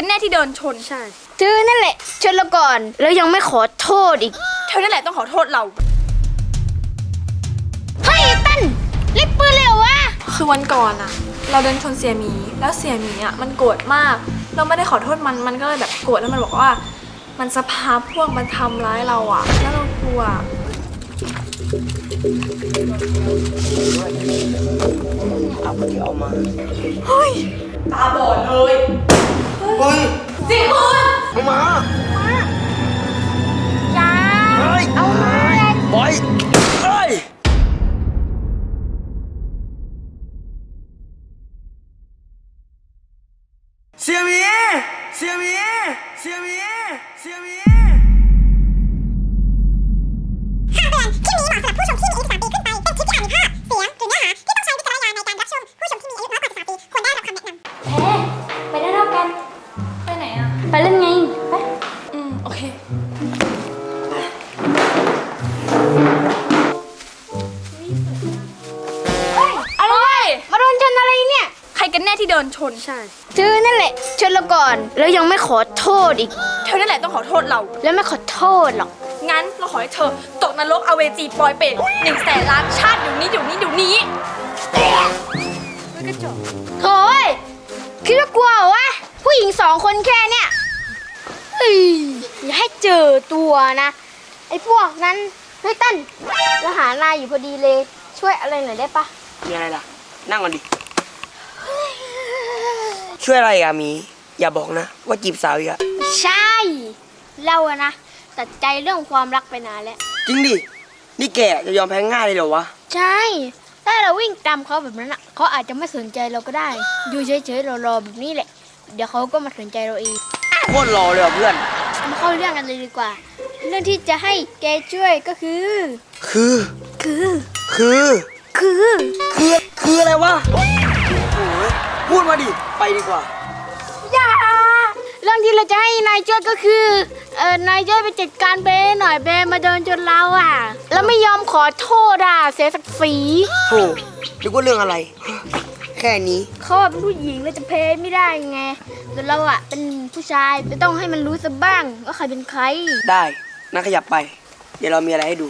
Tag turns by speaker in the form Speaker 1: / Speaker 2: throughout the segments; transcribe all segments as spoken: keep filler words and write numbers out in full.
Speaker 1: กันแน่ที่เดินชน
Speaker 2: ใช่เธอนั่นแหละชนเราก่อนแล้วยังไม่ขอโทษอีก
Speaker 1: เธอนั่นแหละต้องขอโทษเรา
Speaker 2: เฮ้ยตั้นเล่นปืนเลยเหรอวะ
Speaker 1: คือวันก่อนอะเราเดินชนเสี่ยหมีแล้วเสี่ยหมีอะมันโกรธมากเราไม่ได้ขอโทษมันมันก็เลยแบบโกรธแล้วมันบอกว่ามันสภาพพวกมันทำร้ายเราอะแล้วเรากลัว
Speaker 3: เอาคนเดียวเอามา
Speaker 1: เฮ้ยตาบอดเลย
Speaker 3: เฮ้ย
Speaker 1: สิคุณ
Speaker 3: เอามา
Speaker 2: จ้าเอามา
Speaker 3: บอยเฮ้ยเสี่ยหมีเสี่ยหมีเสี่ยหมีเสี่ยหมี
Speaker 4: คำเตือนคลิปนี้เหมาะสำหรับผู้ชมที่มีอายุสิบสามปีขึ้นไป เป็นคลิปที่อาจมีภาพ เสียง หรือเนื้อหาที่ต้องใช้วิจารณญาณในการรับชม ผู้ชมที่มีอายุน้อยกว่าสิบสามปีควรได้รับคำแนะนำ
Speaker 2: เฮ้ไปได้แล้วกัน
Speaker 1: ไปไหนอะ
Speaker 2: ไปเล่นไงไป
Speaker 1: อืมโอเค
Speaker 2: อะไรมาโดนชนอะไรเนี่ย
Speaker 1: ใครกันแน่ที่เดินชน
Speaker 2: ใช่เธอนั่นแหละชนเราก่อนแล้วยังไม่ขอโทษอีก
Speaker 1: เธอนั่นแหละต้องขอโทษเรา
Speaker 2: แล้วไม่ขอโทษหรอก
Speaker 1: งั้นเราขอให้เธอตกนรกอเวจีปอยเปรตหนึ่งแสนล้านชาติเดี๋ยวนี้เดี๋ยวนี้เดี๋ยวนี้ไม่กระจก
Speaker 2: โถ่คิดว่ากลัววะผู้หญิงสองคนแค่เนี่ยเฮ้ยอย่าให้เจอตัวนะไอ้พวกนั้นเฮ้ยตั้นเราหานายอยู่พอดีเลยช่วยอะไรหน่อยได้ปะ
Speaker 3: มีอะไรล่ะนั่งก่อนดิช่วยอะไรอะมีอย่าบอกนะว่าจีบสาวอีกอะ
Speaker 2: ใช่เราอะนะตัดใจเรื่องความรักไปนานแล้ว
Speaker 3: จริงดินี่แกจะยอมแพ้ง่ายเลยเหรอวะ
Speaker 2: ใช่ถ้าเราวิ่งตามเขาแบบนั้นอะเขาอาจจะไม่สนใจเราก็ได้อยู่เฉยๆรอๆแบบนี้แหละเดี๋ยวเขาก็มาสนใจเราเอง
Speaker 3: โคตรรอเลยเพื่อน
Speaker 2: มาเข้าเรื่องกันเลยดีกว่าเรื่องที่จะให้แกช่วยก็คือ
Speaker 3: คือ
Speaker 2: คือ
Speaker 3: คือ
Speaker 2: คือ
Speaker 3: คือคืออะไรวะโอ้ยพูดมาดิไปดีกว่า
Speaker 2: อย่าเรื่องที่เราจะให้นายช่วยก็คือเออนายช่วยไปจัดการเบย์หน่อยเบย์มาเดินจนเราอ่ะแล้วไม่ยอมขอโทษอ่ะเสียศักดิ์ศรี
Speaker 3: โอ้นึกว่าเรื่องอะไรแค่นี้
Speaker 2: เขาเป็นผู้หญิงแล้วจะเพย์ไม่ได้ไงแต่เราอ่ะเป็นผู้ชายจะต้องให้มันรู้ซะบ้างว่าใครเป็นใคร
Speaker 3: ได้น่าขยับไปเดี๋ยวเรามีอะไรให้ดู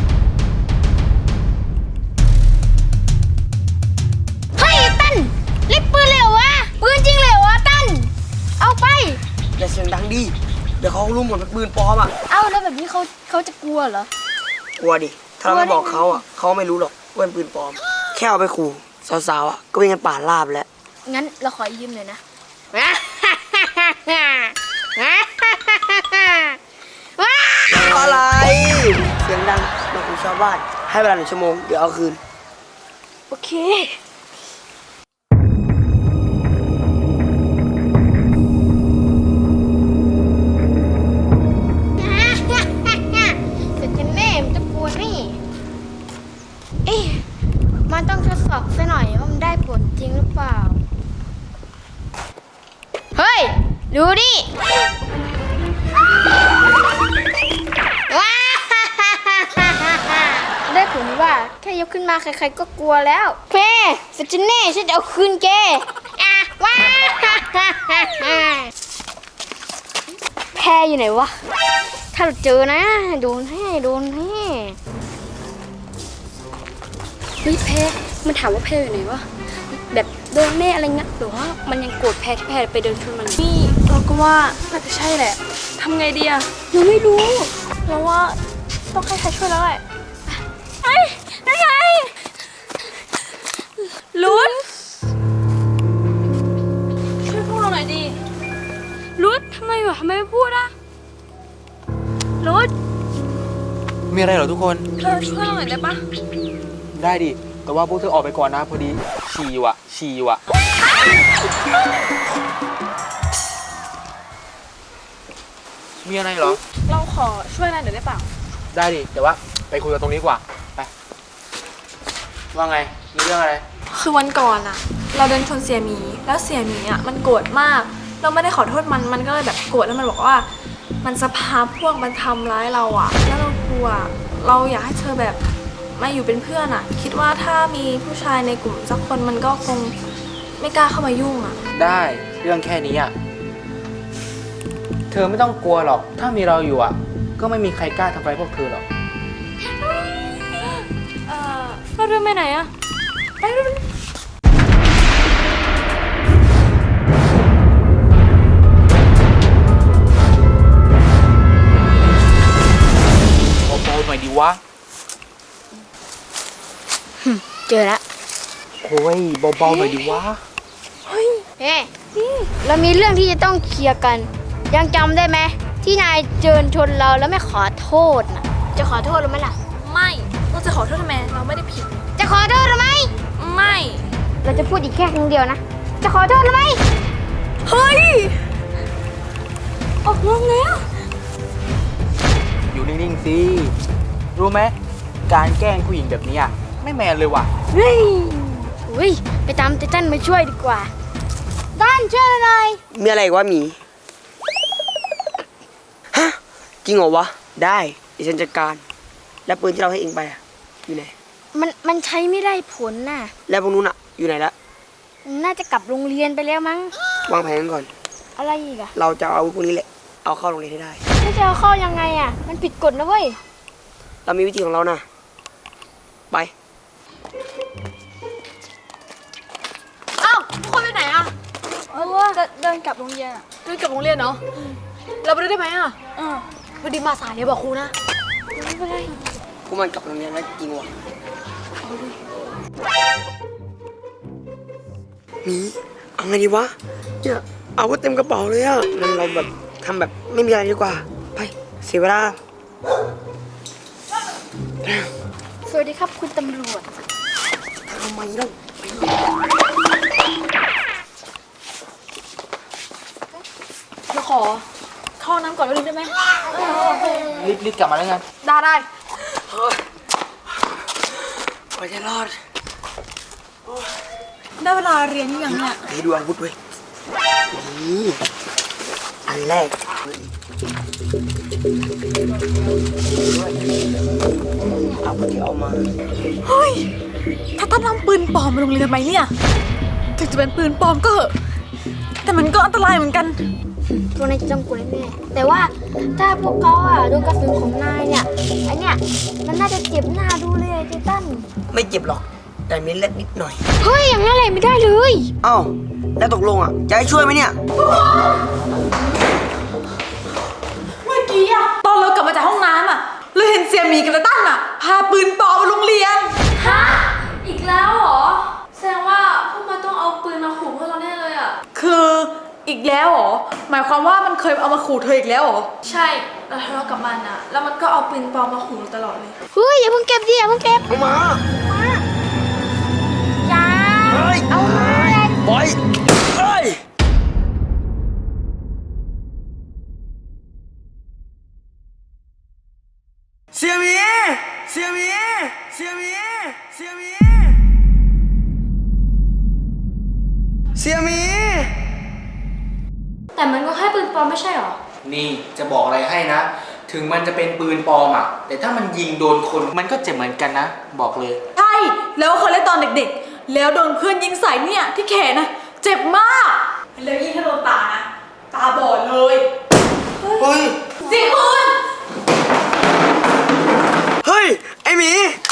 Speaker 2: เฮ้ยตั้นเล่นปืนเลยเหรอวะปืนจริงเลยเหรอวะตั้นเอาไป
Speaker 3: อย่าเสียงดังดิเดี๋ยวเขารู้หมดเป็นปืนปลอมอ่ะ
Speaker 2: เอ้าแล้วแบบนี้เขาเขาจะกลัวเหรอก
Speaker 3: ลัวดิถ้าเราไม่บอกเขาอ่ะเขาไม่รู้หรอกว่าเป็นปืนปลอมแค่เอาไปขู่สาวๆอ่ะก็วิ่งกันป่าลาบแล้ว
Speaker 2: งั้นเราขอยืมหน่อยนะ
Speaker 3: อะไรเสียงดังมาคุยชาวบ้านให้เวลาหนึ่งชั่วโมงเดี๋ยวเอาคืน
Speaker 2: โอเคมันต้องทดสอบซะหน่อยว่ามันได้ผลจริงหรือเปล่าเฮ้ยดูดิได้ผลว่าแค่ยกขึ้นมาใครๆก็กลัวแล้วเพ่สัจเน่ฉันจะเอาคืนแกอ่ะว้าแพรอยู่ไหนวะถ้าเราเจอนะโดนให้โดนให้เฮ้ยแพรมันถามว่าแพรอยู่ไหนวะแบบโดนแม่อะไรเงี้ยหรือว่ามันยังโกรธแพรที่แพรไปเดินชนมัน
Speaker 1: นี่เราก็ว่าน่าจะใช่แหละทำไงดีอะ
Speaker 2: ยังไม่รู้
Speaker 1: เราว่าต้องให้ใครช่วยแล้วแหละเฮ้ยนั่นไงลุ้นช่วยพวกเราหน่อยดิ
Speaker 2: ลุ้นทำไมวะทำไมไม่พูดอะลุ้น
Speaker 5: มีอะไรเหรอทุกคน
Speaker 1: เธอช่วยเราหน่อยได้ปะ
Speaker 5: ได้ดิแต่ว่าพวกเธอออกไปก่อนนะพอดีฉี่ว่ะฉี่ว่ะมีอะไรเหรอ
Speaker 1: เราขอช่วยอะไรหน่อยได้เปล่า
Speaker 5: ได้ดิแต่ว่าไปคุยกันตรงนี้กว่าไปว่าไงมีเรื่องอะไร
Speaker 1: คือวันก่อนอะเราเดินชนเสี่ยหมีแล้วเสี่ยหมีอะมันโกรธมากเราไม่ได้ขอโทษมันมันก็เลยแบบโกรธแล้วมันบอกว่ามันสภาพพวกมันทำร้ายเราอะแล้วเรากลัวเราอยากให้เธอแบบมาอยู่เป็นเพื่อนอะคิดว่าถ้ามีผู้ชายในกลุ่มสักคนมันก็คงไม่กล้าเข้ามายุ่งอะ
Speaker 5: ได้เรื่องแค่นี้อะเธอไม่ต้องกลัวหรอก ถ้ามีเราอยู่อ่ะ ก็ไม่มีใครกล้าทำร้ายพวกเธอหรอก
Speaker 1: เออเราเดินไปไหนอะไปเดิน
Speaker 5: เบาๆหน่อยดิวะ
Speaker 2: เจอแล้ว
Speaker 5: โอ้ยเบาๆหน่อยดิวะ
Speaker 2: เฮ้เรามีเรื่องที่จะต้องเคลียร์กัน ยังจำได้ไหมที่นายเจิญชนเราแล้วไม่ขอโทษนะจะขอโทษหรือไม่ล่ะ
Speaker 1: ไม่เราจะขอโทษทำไมเราไม่ได้ผิด
Speaker 2: จะขอโทษหรือไม่
Speaker 1: ไม่
Speaker 2: เราจะพูดอีกแค่ครั้งเดียวนะ จะขอโทษหรือไม่
Speaker 1: เฮ้ยออกลงแล้ว
Speaker 5: อยู่นิ่งๆสิ รู้ไหม การแกล้งผู้หญิงแบบนี้อ่ะ ไม่แมนเลยว่ะ
Speaker 2: เฮ้ยอุ้ยไปตามไททันมาช่วยดีกว่าต้นช่วยหน่อย
Speaker 3: มีอะไรอีกวะหมี ฮะ จริงเหรอวะ ได้เดี๋ยวฉันจัดการ แล้วปืนที่เราให้เองไปอะอยู่ไหน
Speaker 2: มันมันใช้ไม่ได้ผลน่ะ
Speaker 3: แล้วพวกนู้นอะอยู่ไหนละ
Speaker 2: น่าจะกลับโรงเรียนไปแล้วมั้ง
Speaker 3: วางแผนกันก่อน
Speaker 2: อะไรอีกอะ
Speaker 3: เราจะเอาอาวุธพวกนี้แหละ เอาเข้าโรงเรียนให้ได้
Speaker 2: ไม่จะเอาเข้ายังไงอะมันผิดกฎนะเว้ย
Speaker 3: เรามีวิธีของเรานะ ไป
Speaker 1: อ้าวทุกคนไปไหนอะเออว่าเดินกลับโรงเรียนอะเดินกลับโรงเรียนเนาะเราไปด้วยได้ไหมอะเออพอดีมาสายเลยบอกครูนะไม่เป็นไร
Speaker 3: พวกมันกลับโรงเรียนแล้วจริงวะหมีเอาไงดีวะเนี่ยอาวุธเต็มกระเป๋าเลยอะงั้นเราแบบทำแบบไม่มีอะไรดีกว่า ไป เสียเวลา
Speaker 2: สวัสดีครับคุณตำรวจ
Speaker 3: ทำไมเล่า
Speaker 1: เราขอเข้าน้ำก่อนนิดนึงได้ไหม
Speaker 5: รีบรีบกลับมาแล้วกัน
Speaker 1: ได้ได้
Speaker 3: ไปจะรอด
Speaker 1: ได้เวลาเรียนยังเนี่ย
Speaker 3: นี่ดูอาวุธเว้ยนี่อันแรกอาวุธที่เอามา
Speaker 1: เฮ้ยถ้าตั้นนำปืนปลอมมาโรงเรียนทำไมเนี่ยถึงจะเป็นปืนปลอมก็เหอะแต่มันก็อันตรายเหมือนกัน
Speaker 2: พวกนายจะต้องกลัวแน่ๆแต่ว่าถ้าพวกเขาอะโดนกระสุนของนายเนี่ยไอเนี่ยมันน่าจะเจ็บหน้าดูเลยไททัน
Speaker 3: ไม่เจ็บหรอก แต่มีเล็ดนิดหน่อย
Speaker 2: เฮ้ยอย่างนั้นเลยไม่ได้เลย
Speaker 3: เอ้า แล้วตกลงอ่ะ จะให้ช่วยไหมเนี่ย
Speaker 6: เมื่อกี้อะตอนเรากลับมาจากห้องน้ำอะเราเห็นเสี่ยหมีกับตาตั้นอะพาปืนปลอมมาโรงเรียน
Speaker 1: ฮะอีกแล้วเหรอแสดงว่าพวกมันต้องเอาปืนมาขู่พวกเราแน่เลยอ่ะ
Speaker 6: คืออีกแล้วเหรอ หมายความว่ามันเคยเอามาขู่เธออีกแล้วเหรอ
Speaker 1: ใช่เราทะเลาะกับมันอ่ะแล้วมันก็เอาปืนปลอมมาขู่เราตลอดเลย
Speaker 2: เฮ้ยอย่าเพิ่งเก็บดิอย่าเพิ่งเก็บ
Speaker 3: เอามา
Speaker 2: จ้า
Speaker 3: เฮ้ย
Speaker 2: เอามา
Speaker 3: ปล่อยเฮ้ย เสียหมี เสียหมี เสียหมี เสียหมี เสียหมี
Speaker 1: แต่มันก็แค่ปืนปลอมไม่ใช่หรอ
Speaker 5: นี่จะบอกอะไรให้นะ ถึงมันจะเป็นปืนปลอมอ่ะ แต่ถ้ามันยิงโดนคนมันก็เจ็บเหมือนกันนะ บอกเลย
Speaker 6: ใช่ แล้วเคยเล่นตอนเด็กๆ แล้วโดนเพื่อนยิงใส่เนี่ยที่แขนนะเจ็บมาก แล้วยิ่งถ้าโดนตานะ ตาบอดเลย
Speaker 3: เฮ้ย
Speaker 6: เสิปืน
Speaker 3: เฮ้ย ไอหมี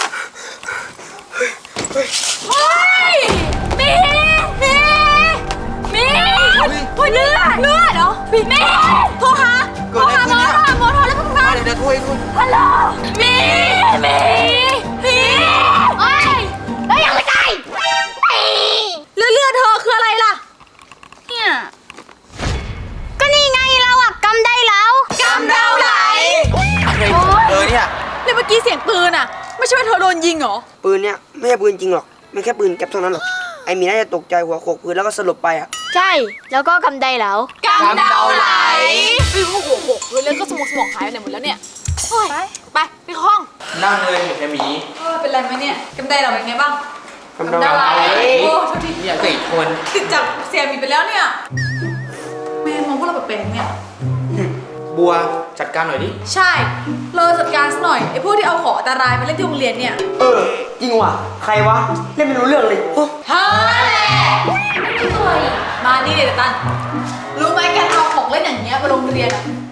Speaker 1: เฮ้ยมีมีมีเฮ้ยเลือดเลือดเหรอมีมีโทรหา
Speaker 5: เกิดอะไรขึ้นเนี่ย
Speaker 1: โทรหาหมอโทรหาหมอโทรแล้วก็ทำงาน
Speaker 5: เดี๋ยวช่วยคุณ
Speaker 1: ฮัลโหลมีมีมีเฮ้ยแล้วยังไม่ตายแล้วเลือดเธอคืออะไรล่ะ
Speaker 2: เนี่ย ก็นี่ไงเราอะกำได้แล้ว
Speaker 1: กำเดาไหล
Speaker 5: อะไรเออเนี่ย
Speaker 6: แล้วเมื่อกี้เสียงปืนอะไม่ใช่ว่าเธอโดนยิงเหรอ
Speaker 3: ปืนเนี่ยไม่ใช่ปืนจริงหรอก มันแค่ปืนแก๊ปเท่านั้นหรอก ไอหมีน่าจะตกใจหัวโขกพื้นแล้วก็สลบไปอ่ะ
Speaker 2: ใช่ แล้วก็กำได้แล้ว
Speaker 1: กำเดาไหล
Speaker 6: ปืนก็หัวหกเลยแล้วก็สมองสมองหายไปไหนหมดแล้วเนี่ยไปไปไปห้อง
Speaker 5: นั่งเลยเฮียหมี
Speaker 6: เออเป็นไรไหมเนี่ยกำได้เราเป็นไงบ้าง
Speaker 3: กำเดาไหล
Speaker 6: โอ้โทษที
Speaker 5: เนี่ยติดคน
Speaker 6: ติดจากเสียหมีไปแล้วเนี่ยแม่มองพวกเราแปลกๆเนี่ย
Speaker 5: บัวจัดการหน่อยดิ
Speaker 6: ใช่ เราจัดการซะหน่อยไอ้พวกที่เอาของอันตรายมาเล่นที่โรงเรียนเนี่ย
Speaker 3: เออ จริงว่ะ ใครวะ เล่นไม่รู้เรื่องเลยโอ้
Speaker 6: เฮ้ยมานี่เดี๋ยวตันรู้ไหมการเอาของเล่นอย่างเงี้ยมาโรงเรียนอะ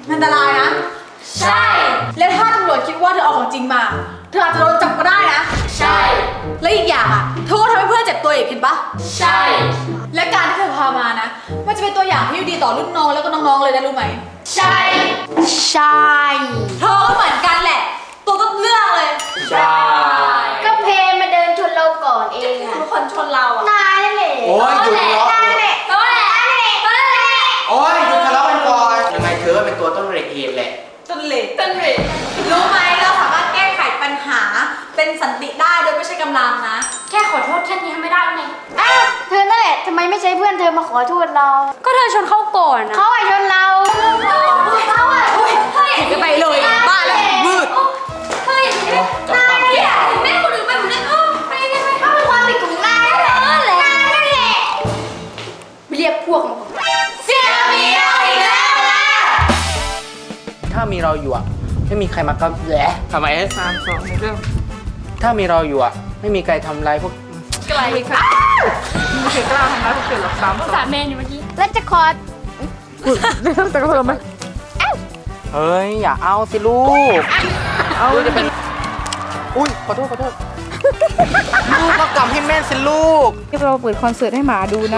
Speaker 6: อันตรายนะ ใช่ แล้วถ้าตำรวจคิดว่าเธอเอาของจริงมา เธออาจจะโดนจับก็ได้นะ ใช่ และอีกอย่างอ่ะเธอก็ทำให้เพื่อนเจ็บตัวอีกเห็นปะใช่ และการที่เธอพามานะ มันจะเป็นตัวอย่างที่ดีต่อรุ่นน้องแล้วก็น้องๆเลยนะรู้ไหม ใช่
Speaker 2: ใช่
Speaker 6: เธอก็เหมือนกันแหละ ตัวต้นเรื่องเลย
Speaker 5: ใช่
Speaker 2: ก็เพมาเดินชนเราก่อนเองอะ
Speaker 1: ทุกคนชนเราอ่ะ
Speaker 2: นายนั่นแหละ
Speaker 5: โอ้ยหยุดทะเลาะ
Speaker 2: นายนั่นแหละนายนั่นแหละนายนั่นแหละ
Speaker 5: โอ้ยหยุดทะเลาะกันก่อน ยังไงเธอก็เป็นตัวต้นเหตุแหละ
Speaker 6: ต้นเหล็กต้นเหล็กรู้ไหมเราสามารถแก้ไขปัญหาเป็นสันติได้โดยไม่ใช่กำลังนะ
Speaker 2: แค่ขอโทษแค่นี้ทำไม่ได้ไงอ้าวเธอนั่นแหละทำไมไม่ใช้เพื่อนเธอมาขอโทษเรา ก็เธอชนเขาก่อนนะเขาอะชนเราเขาอะเฮ้ยเฮ้ย
Speaker 6: จะไปเลยบ้าแล้วมืด
Speaker 2: เฮ้ยนายเนี่ยแม่คนอื่นไปหมดเลยเออไปยังไงเขาเป็นความผิดของนายนั่นแหละนายนั่นแหละไปเรียกพวกมาเสียมีเราอีกแล้วนะ
Speaker 5: ถ้ามีเราอยู่อ่ะ ไม่มีใครมากับแหละทำไม
Speaker 3: สามสองหนึ่งเริ่ม
Speaker 5: ถ้ามีเราอยู่อ่ะ ไม่มีใครทำร้ายพวก
Speaker 1: ไกลค่ะ
Speaker 3: ไม่เคยกล้าทำร้ายพวกเธอหรอกสามสอง
Speaker 2: สามเมนอยู่เมื่อกี้แล้วจะขอ
Speaker 3: แต่ก็เพิ่มไหม
Speaker 5: เฮ้ย อย่าเอาสิลูก เอาจะเป็น อุ้ย ขอโทษ ขอโทษ ลูกก็กำให้แม่นสิลูก
Speaker 7: เราเปิดคอนเสิร์ตให้หมาดูนะ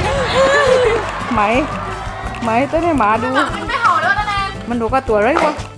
Speaker 7: ไหม ไหมเต้นให้หมาดู
Speaker 1: มันไม่เห่าแล้วนะแนน
Speaker 7: มันดูก็ตัวอะไรวะ